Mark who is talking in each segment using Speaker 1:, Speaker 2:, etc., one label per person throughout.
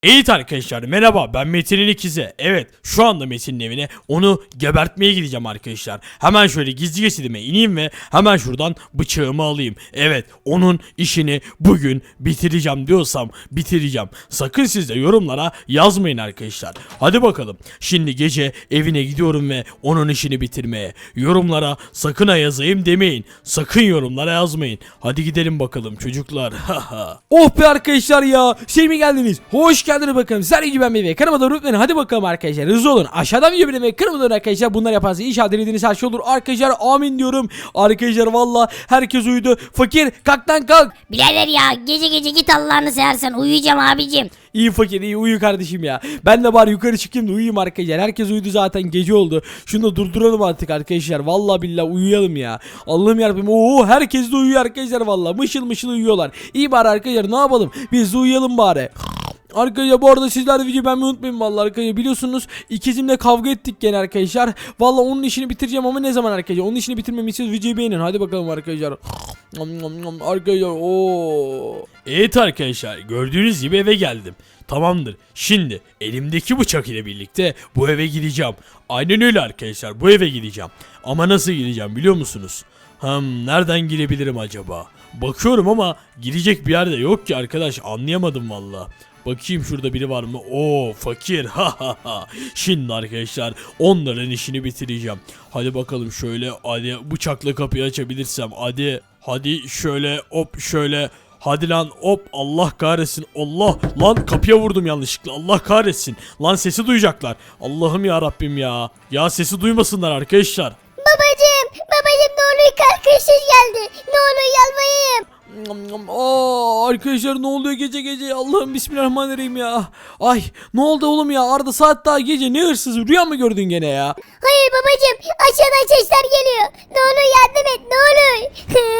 Speaker 1: Evet arkadaşlar merhaba, ben Metin'in ikizi. Evet, şu anda Metin'in evine onu gebertmeye gideceğim arkadaşlar. Hemen şöyle gizli geçidime ineyim ve hemen şuradan bıçağımı alayım. Evet, onun işini bugün bitireceğim diyorsam bitireceğim. Sakın siz de yorumlara yazmayın arkadaşlar. Hadi bakalım, şimdi gece evine gidiyorum ve onun işini bitirmeye. Yorumlara sakın ha yazayım demeyin. Sakın yorumlara yazmayın. Hadi gidelim bakalım çocuklar.
Speaker 2: Oh be arkadaşlar ya. Şey mi geldiniz? Hoş geldiniz bakalım. Sizler gibi ben bebeğim. Kanalıma da unutmayın. Hadi bakalım arkadaşlar. Hızlı olun. Aşağıdan video beğenmeyi, kanalıma da arkadaşlar. Bunlar yaparsanız inşallah dilediğiniz her şey olur. Arkadaşlar amin diyorum. Arkadaşlar valla herkes uyudu. Fakir kalk lan kalk.
Speaker 3: Birader ya gece gece git Allah'ını seversen uyuyacağım abicim.
Speaker 2: İyi fakir iyi uyu kardeşim ya. Ben de bari yukarı çıkayım da uyuyayım arkadaşlar. Herkes uyudu zaten, gece oldu. Şunu da durduralım artık arkadaşlar. Vallahi billahi uyuyalım ya. Allah'ım yarabbim. Oo herkes de uyuyor arkadaşlar vallahi. Mışıl mışıl uyuyorlar. İyi bari arkadaşlar, ne yapalım? Biz de uyuyalım bari. Arkadaşlar bu arada sizler de videoyu beğenmeyi unutmayın vallahi arkadaşlar. Biliyorsunuz ikizimle kavga ettik gene arkadaşlar. Vallahi onun işini bitireceğim ama ne zaman arkadaşlar? Onun işini bitirmemi istiyorsanız videoyu beğenin. Hadi bakalım arkadaşlar. Arkadaşlar ooo.
Speaker 1: Evet arkadaşlar, gördüğünüz gibi eve geldim. Tamamdır. Şimdi elimdeki bıçak ile birlikte bu eve gideceğim. Aynen öyle arkadaşlar, bu eve gideceğim. Ama nasıl gideceğim biliyor musunuz? Nereden girebilirim acaba? Bakıyorum ama girecek bir yerde yok ki arkadaş, anlayamadım valla. Bakayım şurada biri var mı? Oo fakir. Şimdi arkadaşlar onların işini bitireceğim. Hadi bakalım şöyle, hadi bıçakla kapıyı açabilirsem. Hadi şöyle hop şöyle. Hadi lan hop, Allah kahretsin. Allah lan, kapıya vurdum yanlışlıkla. Allah kahretsin. Lan sesi duyacaklar. Allah'ım ya Rabbim ya. Ya sesi duymasınlar arkadaşlar.
Speaker 3: Babacım ne oluyor, kalkışız geldi. Ne oluyor, yalvarayım.
Speaker 2: Arkadaşlar ne oluyor gece gece? Allah'ım bismillahirrahmanirrahim ya. Ay ne oldu oğlum ya? Arda saat daha gece, ne hırsız, rüya mı gördün gene ya?
Speaker 3: Hayır babacım, aşağıdan sesler geliyor. Ne olur yardım et, ne olur.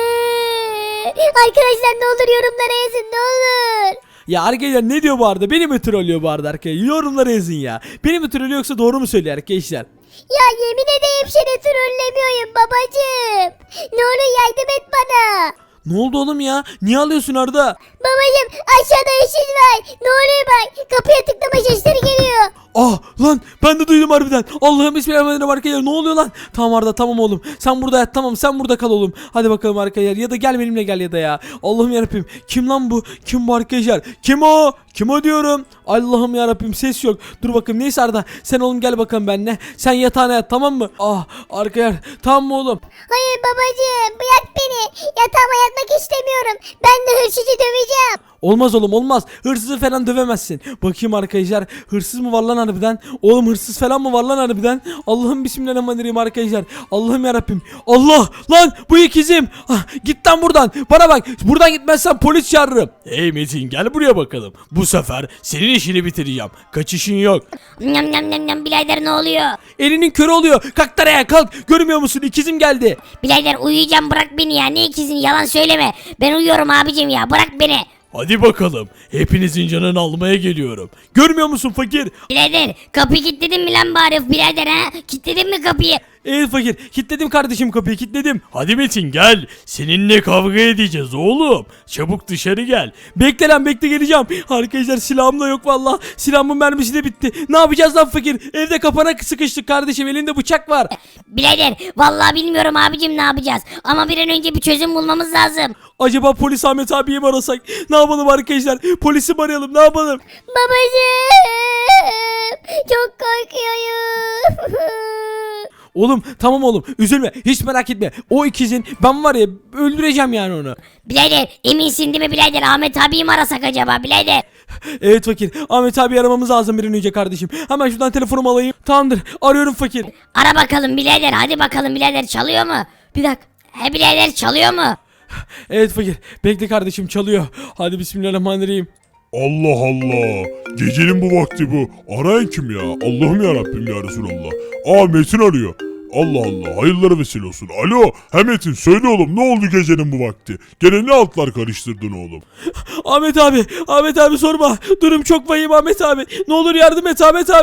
Speaker 3: Arkadaşlar ne olur yorumlara yazın, ne olur.
Speaker 2: Ya arkadaşlar ne diyor bu Arda? Beni mi trollüyor bu Arda arkadaşlar? Yorumlara yazın ya. Beni mi trollüyor yoksa doğru mu söylüyor arkadaşlar?
Speaker 3: Ya yemin edeyim seni trollemiyorum babacım. Ne olur yardım et bana.
Speaker 2: Ne oldu oğlum ya? Niye alıyorsun Arda?
Speaker 3: Babacım aşağıda ışık var. Ne oluyor bak, kapıya tıklama sesleri geliyor.
Speaker 2: Ah lan, ben de duydum harbiden. Allah'ım bismillahirrahmanirrahim arkadaşlar, ne oluyor lan? Tamam Arda, tamam oğlum. Sen burada yat, tamam sen burada kal oğlum. Hadi bakalım arkadaşlar, ya da gel benimle gel ya da ya. Allah'ım yarabbim, kim lan bu? Kim bu arkadaşlar? Kim o? Kim o diyorum? Allah'ım yarabbim, ses yok. Dur bakayım, neyse Arda sen oğlum gel bakalım benimle. Sen yatağına yat, tamam mı? Ah arkadaşlar, tamam mı oğlum?
Speaker 3: Hayır babacığım, bırak beni. Yatağıma yatmak istemiyorum. Ben de hırsızı döveceğim.
Speaker 2: Olmaz oğlum olmaz. Hırsızı falan dövemezsin. Bakayım arkadaşlar. Hırsız mı var lan harbiden? Oğlum hırsız falan mı var lan harbiden? Allah'ım bismillahirrahmanirrahim arkadaşlar. Allah'ım yarabbim. Allah lan, bu ikizim. Git lan buradan. Bana bak. Buradan gitmezsen polis çağırırım.
Speaker 1: Hey Metin, gel buraya bakalım. Bu sefer senin işini bitireceğim. Kaçışın yok.
Speaker 3: Nyam nyam nyam nyam, birader ne oluyor?
Speaker 2: Elinin körü oluyor. Kalk taraya kalk. Görmüyor musun? İkizim geldi.
Speaker 3: Birader uyuyacağım, bırak beni ya. Ne ikizin, yalan söyleme. Ben uyuyorum abicim ya, bırak beni.
Speaker 1: Hadi bakalım. Hepinizin canını almaya geliyorum.
Speaker 2: Görmüyor musun fakir?
Speaker 3: Birader kapıyı kilitledin mi lan bari birader ha? Kilitledin mi kapıyı?
Speaker 2: Evet fakir. Kilitledim kardeşim kapıyı, kilitledim.
Speaker 1: Hadi Metin gel. Seninle kavga edeceğiz oğlum. Çabuk dışarı gel.
Speaker 2: Bekle lan bekle, geleceğim. Arkadaşlar silahım da yok valla. Silahımın mermisi de bitti. Ne yapacağız lan fakir? Evde kapana sıkıştık kardeşim. Elinde bıçak var.
Speaker 3: Birader vallahi bilmiyorum abicim ne yapacağız. Ama bir an önce bir çözüm bulmamız lazım.
Speaker 2: Acaba polis Ahmet abiyi mi arasak? Ne yapalım arkadaşlar? Polisi mi arayalım? Ne yapalım?
Speaker 3: Babacığım çok korkuyorum.
Speaker 2: Oğlum tamam oğlum, üzülme, hiç merak etme. O ikizin, ben var ya öldüreceğim yani onu.
Speaker 3: Birader eminsin değil mi birader? Ahmet abiyi mi arasak acaba birader?
Speaker 2: Evet fakir, Ahmet abi aramamız lazım bir an önce kardeşim. Hemen şuradan telefonumu alayım. Tamamdır, arıyorum fakir.
Speaker 3: Ara bakalım birader, hadi bakalım birader, çalıyor mu?
Speaker 2: Bir dakika.
Speaker 3: He birader, çalıyor mu?
Speaker 2: Evet fakir, bekle kardeşim, çalıyor. Hadi bismillahirrahmanirrahim.
Speaker 4: Allah Allah. Gecenin bu vakti bu. Arayan kim ya? Allah'ım ya Rabbim ya Resulallah. Aa Metin arıyor. Allah Allah, hayırlara vesile olsun. Alo, Metin söyle oğlum, ne oldu gecenin bu vakti? Gene ne altlar karıştırdın oğlum?
Speaker 2: Ahmet abi sorma. Durum çok vahim Ahmet abi. Ne olur yardım et Ahmet abi.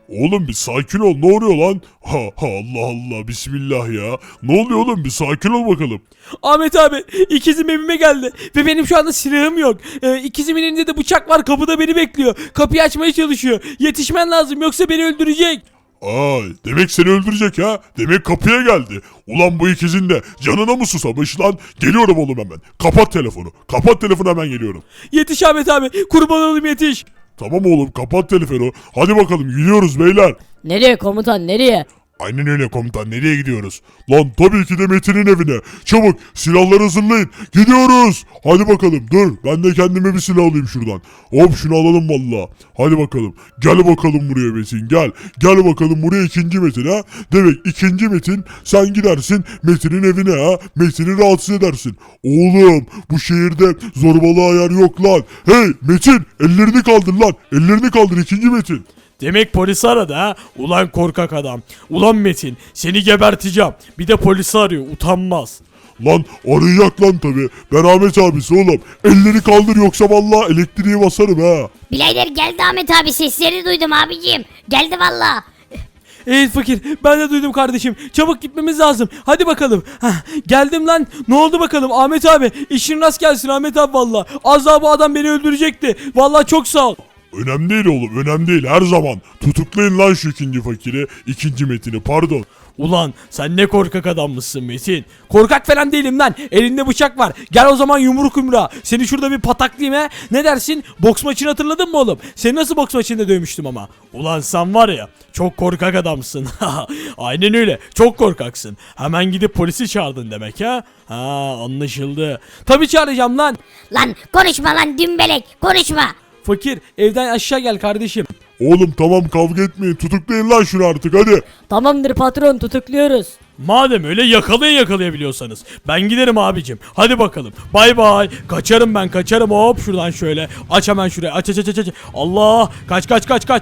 Speaker 4: Oğlum bir sakin ol, ne oluyor lan? Ha Allah Allah, bismillah ya. Ne oluyor oğlum, bir sakin ol bakalım.
Speaker 2: Ahmet abi ikizim evime geldi ve benim şu anda silahım yok. İkizimin elinde de bıçak var, kapıda beni bekliyor. Kapıyı açmaya çalışıyor. Yetişmen lazım yoksa beni öldürecek.
Speaker 4: Ay, demek seni öldürecek ha? Demek kapıya geldi. Ulan bu ikizin de canına mı susamış lan? Geliyorum oğlum hemen. Kapat telefonu. Kapat telefonu, hemen geliyorum.
Speaker 2: Yetiş Ahmet abi, kurban olayım yetiş.
Speaker 4: Tamam oğlum, kapat telefonu. Hadi bakalım, gidiyoruz beyler.
Speaker 5: Nereye komutan, nereye?
Speaker 4: Aynen öyle komutan, nereye gidiyoruz? Lan tabii ki de Metin'in evine. Çabuk silahları hazırlayın. Gidiyoruz. Hadi bakalım, dur ben de kendime bir silah alayım şuradan. Hop, şunu alalım valla. Hadi bakalım. Gel bakalım buraya Metin, gel. Gel bakalım buraya ikinci Metin ha. Demek ikinci Metin, sen gidersin Metin'in evine ha. Metin'i rahatsız edersin. Oğlum bu şehirde zorbalığa yer yok lan. Hey Metin, ellerini kaldır lan. Ellerini kaldır ikinci Metin.
Speaker 1: Demek polisi aradı ha. Ulan korkak adam. Ulan Metin, seni geberteceğim. Bir de polisi arıyor, utanmaz.
Speaker 4: Lan arayacak lan tabi. Ben Ahmet abisi oğlum. Elleri kaldır yoksa vallahi elektriği basarım ha.
Speaker 3: Birader geldi Ahmet abi, sesleri duydum abicim. Geldi valla.
Speaker 2: Evet fakir, ben de duydum kardeşim. Çabuk gitmemiz lazım. Hadi bakalım. Heh, geldim lan. Ne oldu bakalım Ahmet abi? İşin rast gelsin Ahmet abi valla. Az daha bu adam beni öldürecekti. Valla çok sağ ol.
Speaker 4: Önemli değil oğlum, önemli değil, her zaman. Tutuklayın lan şu ikinci fakiri, ikinci Metin'i, pardon.
Speaker 1: Ulan sen ne korkak adammışsın Metin.
Speaker 2: Korkak falan değilim lan. Elinde bıçak var. Gel o zaman yumruk yumruğa. Seni şurada bir pataklayayım he. Ne dersin? Boks maçını hatırladın mı oğlum? Seni nasıl boks maçında dövmüştüm ama.
Speaker 1: Ulan sen var ya, çok korkak adamsın. Aynen öyle, çok korkaksın. Hemen gidip polisi çağırdın demek ha. Ha, anlaşıldı.
Speaker 2: Tabii çağıracağım lan.
Speaker 3: Lan konuşma lan dümbelek, konuşma.
Speaker 2: Fakir, evden aşağı gel kardeşim.
Speaker 4: Oğlum tamam, kavga etmeyin, tutuklayın lan şunu artık, hadi.
Speaker 5: Tamamdır patron, tutukluyoruz.
Speaker 1: Madem öyle yakalayabiliyorsanız. Ben giderim abicim. Hadi bakalım. Bay bay. Kaçarım ben, kaçarım. Hop şuradan şöyle. Aç hemen şuraya. Aç. Allah. Kaç.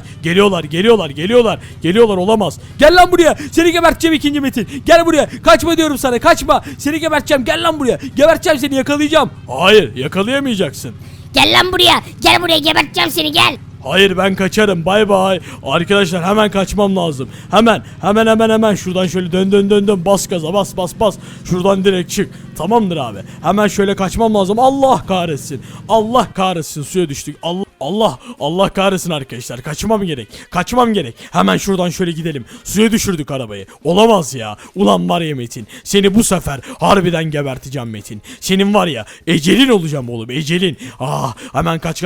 Speaker 1: Geliyorlar olamaz.
Speaker 2: Gel lan buraya. Seni geberteceğim ikinci Metin. Gel buraya. Kaçma diyorum sana. Kaçma. Seni geberteceğim. Gel lan buraya. Geberteceğim seni, yakalayacağım.
Speaker 1: Hayır, yakalayamayacaksın.
Speaker 3: Gel lan buraya, gel buraya, geberteceğim seni, gel.
Speaker 1: Hayır, ben kaçarım. Bay bay. Arkadaşlar hemen kaçmam lazım. Hemen şuradan şöyle dön. Bas gaza, bas. Şuradan direkt çık. Tamamdır abi. Hemen şöyle kaçmam lazım. Allah kahretsin. Suya düştük. Allah kahretsin arkadaşlar. Kaçmam gerek. Hemen şuradan şöyle gidelim. Suya düşürdük arabayı. Olamaz ya. Ulan var ya Metin. Seni bu sefer harbiden geberteceğim Metin. Senin var ya ecelin olacağım oğlum, ecelin. Hemen kaç.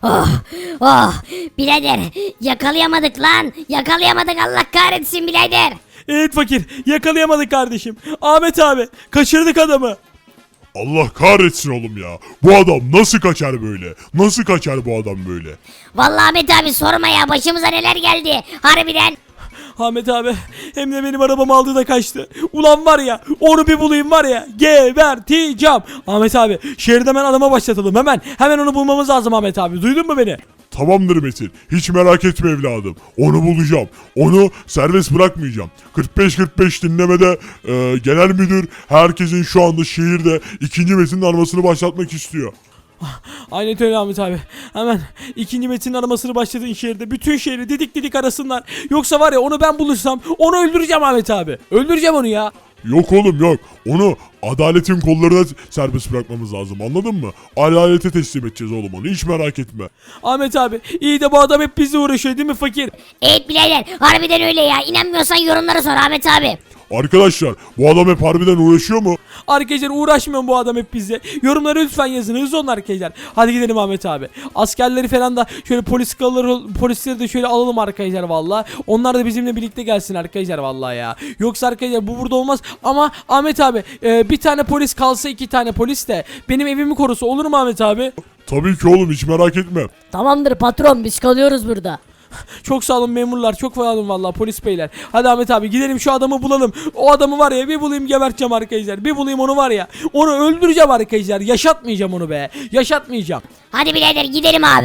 Speaker 3: Oh birader, yakalayamadık lan. Yakalayamadık, Allah kahretsin birader.
Speaker 2: Evet fakir. Yakalayamadık kardeşim. Ahmet abi. Kaçırdık adamı.
Speaker 4: Allah kahretsin oğlum ya. Bu adam nasıl kaçar böyle? Nasıl kaçar bu adam böyle?
Speaker 3: Vallahi Ahmet abi sorma ya, başımıza neler geldi. Harbiden.
Speaker 2: Ahmet abi hem de benim arabamı aldı da kaçtı. Ulan var ya, onu bir bulayım var ya, geberteceğim. Ahmet abi şehirde hemen adama başlatalım, hemen onu bulmamız lazım Ahmet abi, duydun mu beni?
Speaker 4: Tamamdır Metin. Hiç merak etme evladım. Onu bulacağım. Onu serbest bırakmayacağım. 45-45 dinlemede genel müdür herkesin şu anda şehirde ikinci Metin'in armasını başlatmak istiyor.
Speaker 2: Aynen öyle Ahmet abi. Hemen ikinci Metin'in aramasını başladığın şehirde bütün şehri didik arasınlar. Yoksa var ya, onu ben bulursam onu öldüreceğim Ahmet abi. Öldüreceğim onu ya.
Speaker 4: Yok oğlum yok. Onu adaletin kollarına serbest bırakmamız lazım, anladın mı? Adalete teslim edeceğiz oğlum onu, hiç merak etme.
Speaker 2: Ahmet abi iyi de bu adam hep bizle uğraşıyor değil mi fakir?
Speaker 3: Evet birader, harbiden öyle ya. İnanmıyorsan yorumlara sor Ahmet abi.
Speaker 4: Arkadaşlar bu adam hep harbiden uğraşıyor mu?
Speaker 2: Arkadaşlar uğraşmıyor bu adam hep bizle. Yorumlara lütfen yazın, hızlı olun arkadaşlar. Hadi gidelim Ahmet abi. Askerleri falan da şöyle polisleri de şöyle alalım arkadaşlar valla. Onlar da bizimle birlikte gelsin arkadaşlar valla ya. Yoksa arkadaşlar bu burada olmaz. Ama Ahmet abi bir tane polis kalsa, 2 tane polis de benim evimi korusa olur mu Ahmet abi?
Speaker 4: Tabii ki oğlum, hiç merak etme.
Speaker 5: Tamamdır patron, biz kalıyoruz burada.
Speaker 2: Çok sağ olun memurlar, çok sağ olun valla polis beyler. Hadi Ahmet abi gidelim şu adamı bulalım. O adamı var ya bir bulayım, geberteceğim arkadaşlar. Bir bulayım onu var ya, onu öldüreceğim arkadaşlar. Yaşatmayacağım onu be, yaşatmayacağım.
Speaker 3: Hadi birader gidelim abi.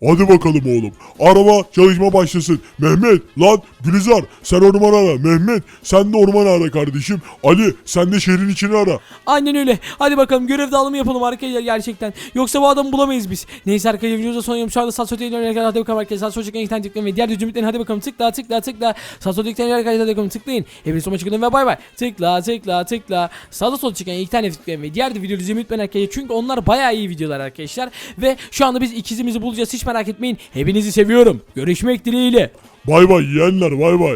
Speaker 4: Hadi bakalım oğlum. Araba çalışma başlasın. Mehmet lan Gülizar sen ormanı ara. Mehmet sen de ormanı ara kardeşim. Ali sen de şehrin içini ara.
Speaker 2: Aynen öyle. Hadi bakalım görev dağılımı yapalım arkadaşlar gerçekten. Yoksa bu adamı bulamayız biz. Neyse arkadaşlar videoda son yapım. Şu anda sağ sol tıklayın. Hadi bakalım arkadaşlar. Sağ sol tıklayın. İnternet tıklayın ve diğer düzümlüklerin hadi bakalım tıkla. Sağ sol tıklayın arkadaşlar. Hadi bakalım tıklayın. Hepiniz sona çıkın ve bay bay. Tıkla. Sağda sol çıkan ilk tane tıklayın ve diğer de videoyu izlemeyi unutmayın arkadaşlar. Çünkü onlar bayağı iyi videolar arkadaşlar. Ve şu anda biz ikizimizi bulacağız. Hiç merak etmeyin. Hepinizi seviyorum. Görüşmek dileğiyle.
Speaker 4: Bay bay yeğenler bay bay.